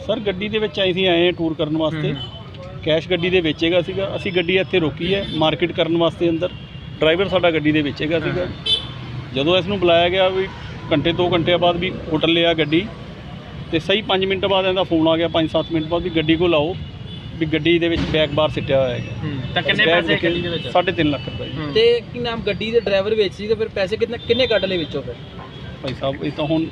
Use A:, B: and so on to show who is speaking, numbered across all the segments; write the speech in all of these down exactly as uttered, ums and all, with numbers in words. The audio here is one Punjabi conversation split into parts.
A: ਸਰ ਗੱਡੀ ਦੇ ਵਿੱਚ ਅਸੀਂ ਆਏ ਹਾਂ ਟੂਰ ਕਰਨ ਵਾਸਤੇ। ਕੈਸ਼ ਗੱਡੀ ਦੇ ਵਿੱਚ ਹੈਗਾ ਸੀਗਾ। ਅਸੀਂ ਗੱਡੀ ਇੱਥੇ ਰੋਕੀ ਹੈ ਮਾਰਕੀਟ ਕਰਨ ਵਾਸਤੇ ਅੰਦਰ। ਡਰਾਈਵਰ ਸਾਡਾ ਗੱਡੀ ਦੇ ਵਿੱਚ ਹੈਗਾ ਸੀਗਾ। ਜਦੋਂ ਇਸ ਨੂੰ ਬੁਲਾਇਆ ਗਿਆ ਵੀ ਘੰਟੇ ਦੋ ਘੰਟੇ ਬਾਅਦ ਵੀ ਹੋਟਲ ਲਿਆ ਗੱਡੀ, ਤੇ ਸਹੀ ਪੰਜ ਮਿੰਟ ਬਾਅਦ ਇਹਦਾ ਫੋਨ ਆ ਗਿਆ, ਪੰਜ ਸੱਤ ਮਿੰਟ ਬਾਅਦ ਵੀ ਗੱਡੀ ਕੋਲ ਆਓ, ਵੀ ਗੱਡੀ ਦੇ ਵਿੱਚ ਬੈਗ ਬਾਹਰ ਸਿੱਟਿਆ ਹੋਇਆ ਹੈਗਾ।
B: ਤਾਂ ਕਿੰਨੇ ਪੈਸੇ ਗੱਡੀ ਦੇ ਵਿੱਚ?
A: ਸਾਢੇ ਤਿੰਨ ਲੱਖ ਰੁਪਏ।
C: ਤੇ ਕੀ ਨਾਮ ਗੱਡੀ ਦੇ ਡਰਾਈਵਰ ਵਿੱਚ ਸੀ, ਤੇ ਫਿਰ ਪੈਸੇ ਕਿੰਨੇ ਕਿੰਨੇ ਕੱਢ ਲਏ ਵਿੱਚੋਂ? ਫਿਰ
A: ਭਾਈ ਸਾਹਿਬ ਇਹ ਤਾਂ ਹੁਣ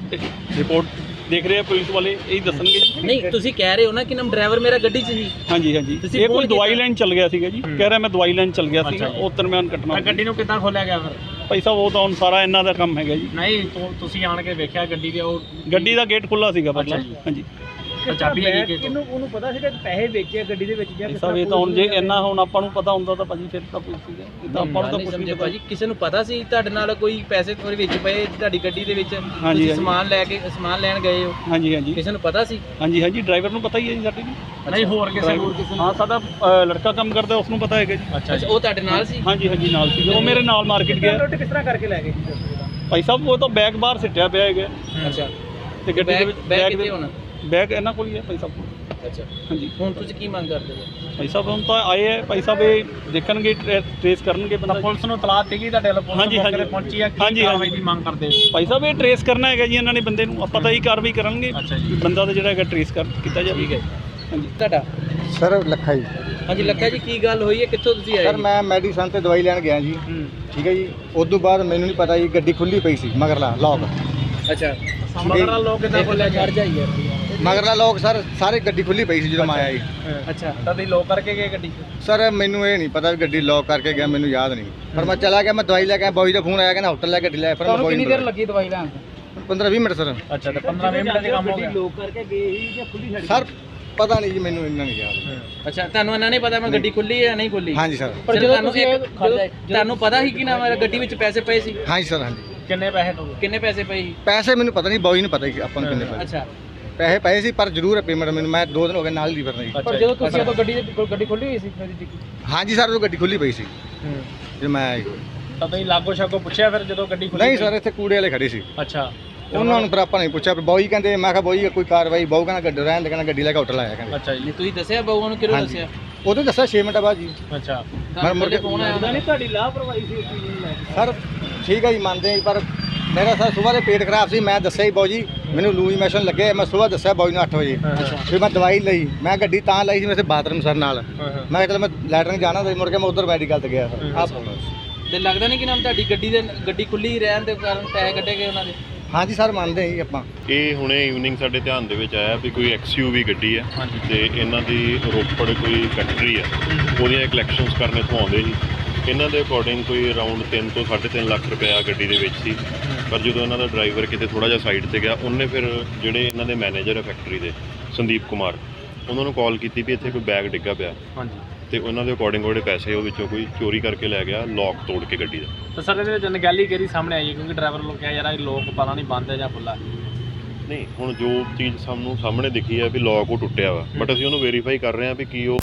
A: ਰਿਪੋਰਟ ਦੇਖ ਰਹੇ ਆ ਪੁਲਿਸ ਵਾਲੇ, ਇਹੀ ਦੱਸਣਗੇ ਜੀ।
C: ਨਹੀਂ, ਤੁਸੀਂ ਕਹਿ ਰਹੇ ਹੋ ਨਾ ਕਿ ਨਾਮ ਡਰਾਈਵਰ ਮੇਰਾ ਗੱਡੀ 'ਚ ਸੀ।
A: ਹਾਂਜੀ ਹਾਂਜੀ, ਇਹ ਕੋਈ ਦਵਾਈ ਲੈਣ ਚੱਲ ਗਿਆ ਸੀਗਾ ਜੀ। ਕਹਿ ਰਿਹਾ ਮੈਂ ਦਵਾਈ ਲੈਣ ਚੱਲ ਗਿਆ ਸੀਗਾ, ਉਹ ਦਰਮਿਆਨ ਘਟਨਾ।
B: ਗੱਡੀ ਨੂੰ ਕਿੱਦਾਂ ਖੋਲਿਆ ਗਿਆ ਫਿਰ?
A: ਭਾਈ ਸਾਹਿਬ ਉਹ ਤਾਂ ਹੁਣ ਸਾਰਾ ਇਹਨਾਂ ਦਾ ਕੰਮ ਹੈਗਾ ਜੀ।
B: ਨਹੀਂ ਤੁਸੀਂ ਆਣ ਕੇ ਵੇਖਿਆ ਗੱਡੀ ਦੇ? ਉਹ
A: ਗੱਡੀ ਦਾ ਗੇਟ ਖੁੱਲਾ ਸੀਗਾ ਪਹਿਲਾਂ। ਹਾਂਜੀ,
B: ਚਾਬੀ ਹੈਗੀ ਕਿ
C: ਉਹਨੂੰ ਉਹਨੂੰ ਪਤਾ ਸੀਗਾ ਪੈਸੇ ਵੇਚੇ ਗੱਡੀ ਦੇ ਵਿੱਚ ਜਾਂ
A: ਭਾਈ ਸਾਹਿਬ ਇਹ ਤਾਂ ਹੁਣ ਜੇ ਇੰਨਾ ਹੁਣ ਆਪਾਂ ਨੂੰ ਪਤਾ ਹੁੰਦਾ ਤਾਂ ਭਾਜੀ ਫਿਰ ਤਾਂ ਪੁੱਛ ਸੀਗਾ। ਇਹ ਤਾਂ ਆਪਾਂ ਨੂੰ ਤਾਂ ਕੁਝ ਨਹੀਂ ਪਤਾ
C: ਭਾਜੀ। ਕਿਸੇ ਨੂੰ ਪਤਾ ਸੀ ਤੁਹਾਡੇ ਨਾਲ ਕੋਈ ਪੈਸੇ ਉਹਦੇ ਵਿੱਚ ਪਏ ਤੁਹਾਡੀ ਗੱਡੀ ਦੇ ਵਿੱਚ?
A: ਹਾਂਜੀ,
C: ਤੁਸੀਂ ਸਮਾਨ ਲੈ ਕੇ ਸਮਾਨ ਲੈਣ ਗਏ ਹੋ?
A: ਹਾਂਜੀ ਹਾਂਜੀ
C: ਕਿਸੇ ਨੂੰ ਪਤਾ ਸੀ?
A: ਹਾਂਜੀ ਹਾਂਜੀ, ਡਰਾਈਵਰ ਨੂੰ ਪਤਾ ਹੀ ਹੈ ਜੀ ਸਾਡੇ ਨੂੰ।
B: ਨਹੀਂ ਹੋਰ ਕਿਸੇ ਨੂੰ?
A: ਹਾਂ, ਸਾਡਾ ਅ, ਲੜਕਾ ਕੰਮ ਕਰਦਾ, ਉਸ ਨੂੰ ਪਤਾ ਹੈਗਾ ਜੀ।
B: ਅੱਛਾ
C: ਅੱਛਾ, ਉਹ ਤੁਹਾਡੇ ਨਾਲ ਸੀ?
A: ਹਾਂਜੀ ਹਾਂਜੀ, ਨਾਲ ਸੀ। ਉਹ ਮੇਰੇ ਨਾਲ ਮਾਰਕੀਟ ਗਿਆ।
C: ਰੋਟੀ ਕਿਸ ਤਰ੍ਹਾਂ ਕਰਕੇ ਲੈ ਗਏ
A: ਭਾਈ ਸਾਹਿਬ ਉਹ ਤਾਂ ਬੈਗ ਬਾਹਰ ਸਿੱਟਿਆ ਪਿਆ ਹੈਗਾ।
C: ਅੱਛਾ,
A: ਤੇ ਗੱਡੀ ਦੇ ਵਿੱਚ
C: ਬੈਗ ਕਿੱਥੇ ਹੋਣਾ?
A: ਬੈਗ ਇਹਨਾਂ ਕੋਲ ਹੀ ਹੈ ਭਾਈ ਸਾਹਿਬ ਕੋਲ।
C: ਅੱਛਾ,
A: ਹਾਂਜੀ।
C: ਹੁਣ ਤੁਸੀਂ ਕੀ ਮੰਗ ਕਰਦੇ ਹੋ?
A: ਭਾਈ ਸਾਹਿਬ ਹੁਣ ਤਾਂ ਆਏ ਹੈ, ਭਾਈ ਸਾਹਿਬ ਇਹ ਦੇਖਣਗੇ, ਟ੍ਰੇਸ ਕਰਨਗੇ ਬੰਦਾ।
B: ਪੁਲਿਸ ਨੂੰ ਤਲਾਹ ਦਿੱਤੀ ਤੁਹਾਡੇ ਵੱਲੋਂ?
A: ਹਾਂਜੀ ਹਾਂਜੀ
B: ਪਹੁੰਚੀ ਆ?
A: ਹਾਂਜੀ
B: ਕਾਰਵਾਈ ਦੀ ਮੰਗ ਕਰਦੇ ਹੋ?
A: ਭਾਈ ਸਾਹਿਬ ਇਹ ਟ੍ਰੇਸ ਕਰਨਾ ਹੈਗਾ ਜੀ ਇਹਨਾਂ ਨੇ ਬੰਦੇ ਨੂੰ। ਆਪਾਂ ਤਾਂ ਹੀ ਕਾਰਵਾਈ ਕਰਾਂਗੇ,
B: ਅੱਛਾ ਜੀ।
A: ਬੰਦਾ ਤਾਂ ਜਿਹੜਾ ਹੈਗਾ ਟ੍ਰੇਸ ਕਰ ਕੀਤਾ ਜਾਵੇ।
C: ਠੀਕ ਹੈ।
A: ਹਾਂਜੀ।
C: ਤੁਹਾਡਾ?
D: ਸਰ ਲੱਖਾ ਜੀ।
C: ਹਾਂਜੀ ਲੱਖਾ ਜੀ, ਕੀ ਗੱਲ ਹੋਈ ਹੈ, ਕਿੱਥੋਂ ਤੁਸੀਂ ਆਏ?
D: ਸਰ ਮੈਂ ਮੈਡੀਸਨ ਤੇ ਦਵਾਈ ਲੈਣ ਗਿਆ ਜੀ। ਠੀਕ ਹੈ ਜੀ। ਉਸ ਤੋਂ ਬਾਅਦ ਮੈਨੂੰ ਨਹੀਂ ਪਤਾ ਜੀ ਗੱਡੀ ਖੁੱਲੀ ਪਈ ਸੀ, ਮਗਰਲਾ ਲੋਕ।
C: ਅੱਛਾ,
B: ਮਗਰਲਾ ਲੋਕ ਕਿੱਦਾਂ ਖੋਲਿਆ ਗਿਆ?
C: ਜਾਈਏ
D: ਮਗਰਲਾ ਲੋਕ ਸਰ ਸਾਰੇ ਗੱਡੀ ਖੁੱਲੀ ਪਈ ਸੀ ਜਦੋਂ ਮੈਂ ਆਇਆ ਜੀ।
C: ਅੱਛਾ,
B: ਤਾਂ ਤੁਸੀਂ ਲੋਕ ਕਰਕੇ ਗਏ ਗੱਡੀ?
D: ਸਰ ਮੈਨੂੰ ਇਹ ਨਹੀਂ ਪਤਾ ਵੀ ਗੱਡੀ ਲੋਕ ਕਰਕੇ ਗਿਆ, ਮੈਨੂੰ ਯਾਦ ਨਹੀਂ। ਪਰ ਮੈਂ ਚਲਾ ਗਿਆ, ਮੈਂ ਦਵਾਈ ਲੈ ਕੇ ਆਇਆ, ਬੋਈ ਦਾ ਫੋਨ ਆਇਆ, ਕਹਿੰਦਾ ਹੋਟਲ ਲੈ ਗੱਡੀ ਲੈ। ਫਿਰ ਮੈਂ
C: ਕਿੰਨੀ ਦੇਰ ਲੱਗੀ ਦਵਾਈ ਲੈਣ?
D: ਪੰਦਰਾਂ ਵੀਹ ਮਿੰਟ ਸਰ।
B: ਅੱਛਾ, ਤੇ ਪੰਦਰਾਂ ਵੀਹ ਮਿੰਟ ਦੇ ਕੰਮ ਹੋ ਗਿਆ?
C: ਲੋਕ ਕਰਕੇ ਗਏ ਸੀ ਜਾਂ ਖੁੱਲੀ ਛੱਡ?
D: ਸਰ ਪਤਾ ਨਹੀਂ ਜੀ, ਮੈਨੂੰ ਇੰਨਾ ਨਹੀਂ ਯਾਦ।
C: ਅੱਛਾ, ਤੁਹਾਨੂੰ ਇਹਨਾਂ ਨੇ ਪਤਾ ਮੈਂ ਗੱਡੀ ਖੁੱਲੀ ਹੈ ਜਾਂ ਨਹੀਂ ਖੁੱਲੀ?
D: ਹਾਂਜੀ ਸਰ।
C: ਪਰ ਜਦੋਂ ਤੁਸੀਂ ਤੁਹਾਨੂੰ ਪਤਾ ਸੀ ਕਿ ਨਾ ਮੇਰਾ ਗੱਡੀ ਵਿੱਚ ਪੈਸੇ ਪਏ ਸੀ?
D: ਹਾਂਜੀ ਸਰ। ਹਾਂਜੀ।
B: ਕਿੰਨੇ ਪੈਸੇ ਟੋਟਲ?
C: ਕਿੰਨੇ ਪੈਸੇ ਪਏ ਸੀ?
D: ਪੈਸੇ ਮੈਨੂੰ ਪਤਾ ਨਹੀਂ, ਬੋਈ ਨੂੰ ਪਤਾ ਹੀ ਆਪਾਂ ਨੂੰ ਕਿੰਨੇ ਪੈਸੇ।
C: ਅੱਛਾ,
D: ਪੈਸੇ ਪਏ ਸੀ ਪਰ ਜ਼ਰੂਰ ਹੈ ਪੇਮੈਂਟ ਮੈਨੂੰ। ਮੈਂ ਦੋ ਦਿਨ ਹੋ ਗਏ ਨਾਲ ਹੀ ਫਿਰਨਾ ਜੀ।
C: ਪਰ ਜਦੋਂ ਤੁਸੀਂ ਉਦੋਂ ਗੱਡੀ ਗੱਡੀ ਖੁੱਲੀ ਹੋਈ ਸੀ?
D: ਹਾਂਜੀ ਸਰ, ਉਹ ਗੱਡੀ ਖੁੱਲੀ ਪਈ ਸੀ ਜਦੋਂ ਮੈਂ ਆਇਆ ਜੀ।
B: ਤਾਂ ਤੁਸੀਂ ਲਾਗੋ ਛਾਗੋ ਪੁੱਛਿਆ ਫਿਰ ਜਦੋਂ ਗੱਡੀ ਖੁੱਲੀ?
D: ਨਹੀਂ ਸਰ, ਇੱਥੇ ਕੂੜੇ ਵਾਲੇ ਖੜੇ ਸੀ।
B: ਅੱਛਾ,
D: ਉਹਨਾਂ ਨੂੰ ਫਿਰ ਆਪਾਂ ਨਹੀਂ ਪੁੱਛਿਆ। ਬੋਈ ਕਹਿੰਦੇ, ਮੈਂ ਕਿਹਾ ਬੋਈ ਕੋਈ ਕਾਰਵਾਈ? ਬਾਊ ਕਹਿੰਦਾ ਗੱਡੀ ਰਹਿਣ ਦੇ, ਕਹਿੰਦਾ ਗੱਡੀ ਲੈ ਕੇ ਹੋਟਲ ਆਇਆ ਕਹਿੰਦੇ।
B: ਅੱਛਾ ਜੀ।
C: ਨਹੀਂ ਤੁਸੀਂ ਦੱਸਿਆ ਬਾਊਆਂ ਨੂੰ? ਕਿਹਨੂੰ ਦੱਸਿਆ?
D: ਉਦੋਂ ਦੱਸਿਆ ਛੇ ਮਿੰਟ ਬਾਅਦ ਜੀ।
B: ਅੱਛਾ,
D: ਮੈਂ ਮੁੜ ਕੇ
C: ਫੋਨ ਆਇਆ ਨਹੀਂ ਤੁਹਾਡੀ ਲਾਪਰਵਾਹੀ ਸੀ ਉਸ ਚੀਜ਼ ਨੂੰ ਲੈ ਕੇ?
D: ਸਰ ਠੀਕ ਹੈ ਜੀ, ਮੰਨਦੇ ਹਾਂ, ਪਰ ਮੇਰਾ ਸਰ ਸਵੇਰ ਦੇ ਪੇਟ ਖਰਾਬ ਸੀ। ਮੈਂ ਦੱਸਿਆ ਜੀ ਬਾਊ ਜੀ ਮੈਨੂੰ ਲੂਜ਼ ਮੋਸ਼ਨ ਲੱਗੇ। ਮੈਂ ਸਵੇਰ ਦੱਸਿਆ ਬਾਊ ਨੂੰ ਅੱਠ ਵਜੇ। ਫਿਰ ਮੈਂ ਦਵਾਈ ਲਈ। ਮੈਂ ਗੱਡੀ ਤਾਂ ਲਈ ਸੀ ਮੇਰੇ ਬਾਥਰੂਮ ਸਰ ਨਾਲ। ਮੈਂ ਕਿਹਾ ਚਲ ਮੈਂ ਲੈਟਰਿੰਗ ਜਾਣਾ ਤੇ ਮੁੜ ਕੇ ਮੈਂ ਉਧਰ ਮੈਡੀਕਲ ਤੇ ਗਿਆ ਸਰ। ਆਪ
C: ਤੇ ਲੱਗਦਾ ਨਹੀਂ ਕਿ ਨਾਮ ਤੁਹਾਡੀ ਗੱਡੀ ਦੇ ਗੱਡੀ ਖੁੱਲੀ ਰਹਿਣ ਦੇ ਕਾਰਨ ਪੈਸੇ ਕੱਢੇ ਗਏ ਉਹਨਾਂ ਦੇ?
D: ਹਾਂਜੀ ਸਰ, ਮੰਨਦੇ ਹਾਂ ਜੀ ਆਪਾਂ।
E: ਇਹ ਹੁਣੇ ਈਵਨਿੰਗ ਸਾਡੇ ਧਿਆਨ ਦੇ ਵਿੱਚ ਆਇਆ ਵੀ ਕੋਈ ਐਕਸਯੂਵੀ ਗੱਡੀ ਹੈ ਤੇ ਇਹਨਾਂ ਦੀ ਰੋਪੜ ਕੋਈ ਫੈਕਟਰੀ ਹੈ, ਉਹਦੀਆਂ ਕਲੈਕਸ਼ਨਸ ਕਰਨ ਇੱਥੋਂ ਆਉਂਦੇ ਸੀ। ਇਹਨਾਂ ਦੇ ਅਕੋਰਡਿੰਗ ਕੋਈ ਅਰਾਊਂਡ ਤਿੰਨ ਤੋਂ ਸਾਢੇ ਤਿੰਨ ਲੱਖ ਰੁਪਇਆ ਗੱਡੀ ਦੇ ਵਿੱਚ ਸੀ। ਪਰ ਜਦੋਂ ਇਹਨਾਂ ਦਾ ਡਰਾਈਵਰ ਕਿਤੇ ਥੋੜ੍ਹਾ ਜਿਹਾ ਸਾਈਡ 'ਤੇ ਗਿਆ, ਉਹਨੇ ਫਿਰ ਜਿਹੜੇ ਇਹਨਾਂ ਦੇ ਮੈਨੇਜਰ ਹੈ ਫੈਕਟਰੀ ਦੇ ਸੰਦੀਪ ਕੁਮਾਰ, ਉਹਨਾਂ ਨੂੰ ਕਾਲ ਕੀਤੀ ਵੀ ਇੱਥੇ ਕੋਈ ਬੈਗ ਡਿੱਗਾ ਪਿਆ।
B: ਹਾਂਜੀ।
E: ਤੇ ਉਹਨਾਂ ਦੇ ਅਕੋਰਡਿੰਗ ਉਹਦੇ ਪੈਸੇ ਉਹ ਵਿੱਚੋਂ ਕੋਈ ਚੋਰੀ ਕਰਕੇ ਲੈ ਗਿਆ, ਲੋਕ ਤੋੜ ਕੇ ਗੱਡੀ ਦਾ।
B: ਤਾਂ ਸਰ ਇਹਦੇ ਵਿੱਚ ਨਗੈਲੀ ਕਿਹੜੀ ਸਾਹਮਣੇ ਆਈ? ਕਿਉਂਕਿ ਡਰਾਈਵਰ ਲੋਕ ਕਿਹਾ ਯਾਰ ਇਹ ਲੋਕ ਪਤਾ ਨਹੀਂ ਬੰਦ ਹੈ ਜਾਂ ਖੁੱਲ੍ਹਾ?
E: ਨਹੀਂ, ਹੁਣ ਜੋ ਚੀਜ਼ ਸਾਨੂੰ ਸਾਹਮਣੇ ਦਿਖੀ ਹੈ ਵੀ ਲੋਕ ਉਹ ਟੁੱਟਿਆ ਵਾ, ਬਟ ਅਸੀਂ ਉਹਨੂੰ ਵੈਰੀਫਾਈ ਕਰ ਰਹੇ ਹਾਂ ਵੀ ਕੀ ਉਹ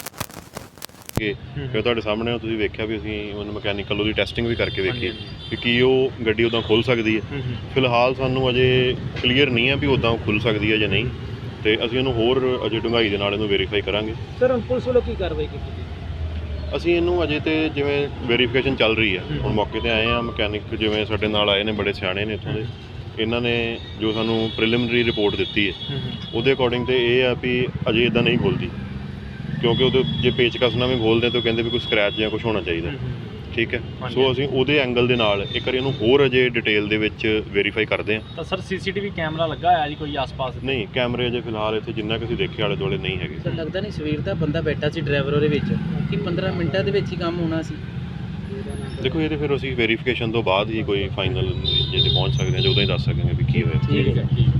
E: ਕਿ ਤੁਹਾਡੇ ਸਾਹਮਣੇ ਤੁਸੀਂ ਵੇਖਿਆ ਵੀ ਅਸੀਂ ਉਹਨੂੰ ਮਕੈਨੀਕਲ ਉਹਦੀ ਟੈਸਟਿੰਗ ਵੀ ਕਰਕੇ ਵੇਖੀ ਵੀ ਕੀ ਉਹ ਗੱਡੀ ਉੱਦਾਂ ਖੁੱਲ੍ਹ ਸਕਦੀ ਹੈ। ਫਿਲਹਾਲ ਸਾਨੂੰ ਅਜੇ ਕਲੀਅਰ ਨਹੀਂ ਹੈ ਵੀ ਉੱਦਾਂ ਉਹ ਖੁੱਲ੍ਹ ਸਕਦੀ ਹੈ ਜਾਂ ਨਹੀਂ, ਤੇ ਅਸੀਂ ਉਹਨੂੰ ਹੋਰ ਅਜੇ ਡੂੰਘਾਈ ਦੇ ਨਾਲ ਇਹਨੂੰ ਵੈਰੀਫਾਈ ਕਰਾਂਗੇ।
C: ਸਰ ਹੁਣ ਪੁਲਿਸ ਵੱਲੋਂ ਕੀ ਕਾਰਵਾਈ ਕੀਤੀ?
E: ਅਸੀਂ ਇਹਨੂੰ ਅਜੇ ਤੇ ਜਿਵੇਂ ਵੈਰੀਫਿਕੇਸ਼ਨ ਚੱਲ ਰਹੀ ਹੈ, ਹੁਣ ਮੌਕੇ ਤੇ ਆਏ ਆ। ਮਕੈਨਿਕ ਜਿਵੇਂ ਸਾਡੇ ਨਾਲ ਆਏ ਨੇ, ਬੜੇ ਸਿਆਣੇ ਨੇ ਇੱਥੋਂ ਦੇ, ਇਹਨਾਂ ਨੇ ਜੋ ਸਾਨੂੰ ਪ੍ਰੀਲਿਮਿਨਰੀ ਰਿਪੋਰਟ ਦਿੱਤੀ ਹੈ ਉਹਦੇ ਅਕੋਰਡਿੰਗ ਤੇ ਇਹ ਆ ਵੀ ਅਜੇ ਇੱਦਾਂ ਨਹੀਂ ਖੁੱਲ੍ਹਦੀ, ਕਿਉਂਕਿ ਉਹਦੇ ਜੇ ਪੇਚਕਸ ਨਾਲ ਵੀ ਖੋਲ੍ਹਦੇ ਤਾਂ ਕਹਿੰਦੇ ਵੀ ਕੋਈ ਸਕ੍ਰੈਚ ਜਾਂ ਕੁਛ ਹੋਣਾ ਚਾਹੀਦਾ। ਠੀਕ ਹੈ, ਸੋ ਅਸੀਂ ਉਹਦੇ ਐਂਗਲ ਦੇ ਨਾਲ ਇੱਕ ਵਾਰੀ ਇਹਨੂੰ ਹੋਰ ਅਜੇ ਡਿਟੇਲ ਦੇ ਵਿੱਚ ਵੈਰੀਫਾਈ ਕਰਦੇ ਹਾਂ।
B: ਤਾਂ ਸਰ ਸੀਸੀਟੀਵੀ ਕੈਮਰਾ ਲੱਗਾ ਹੋਇਆ ਜੀ ਕੋਈ ਆਸ-ਪਾਸ?
E: ਨਹੀਂ, ਕੈਮਰੇ ਅਜੇ ਫਿਲਹਾਲ ਇੱਥੇ ਜਿੰਨਾ ਕਿ ਅਸੀਂ ਦੇਖੇ ਆਲੇ ਦੁਆਲੇ ਨਹੀਂ ਹੈਗੇ।
C: ਸਰ ਲੱਗਦਾ ਨਹੀਂ ਸਵੇਰ ਦਾ ਬੰਦਾ ਬੈਠਾ ਸੀ ਡਰਾਈਵਰ ਉਹਦੇ ਵਿੱਚ, ਕਿ ਪੰਦਰਾਂ ਮਿੰਟਾਂ ਦੇ ਵਿੱਚ ਹੀ ਕੰਮ ਹੋਣਾ ਸੀ?
E: ਦੇਖੋ ਇਹਦੇ ਫਿਰ ਅਸੀਂ ਵੈਰੀਫਿਕੇਸ਼ਨ ਤੋਂ ਬਾਅਦ ਹੀ ਕੋਈ ਫਾਈਨਲ ਜੇ ਤੇ ਪਹੁੰਚ ਸਕਦੇ ਹਾਂ, ਜਦੋਂ ਹੀ ਦੱਸ ਸਕਾਂਗੇ ਵੀ ਕੀ ਹੋਇਆ।
C: ਠੀਕ ਹੈ।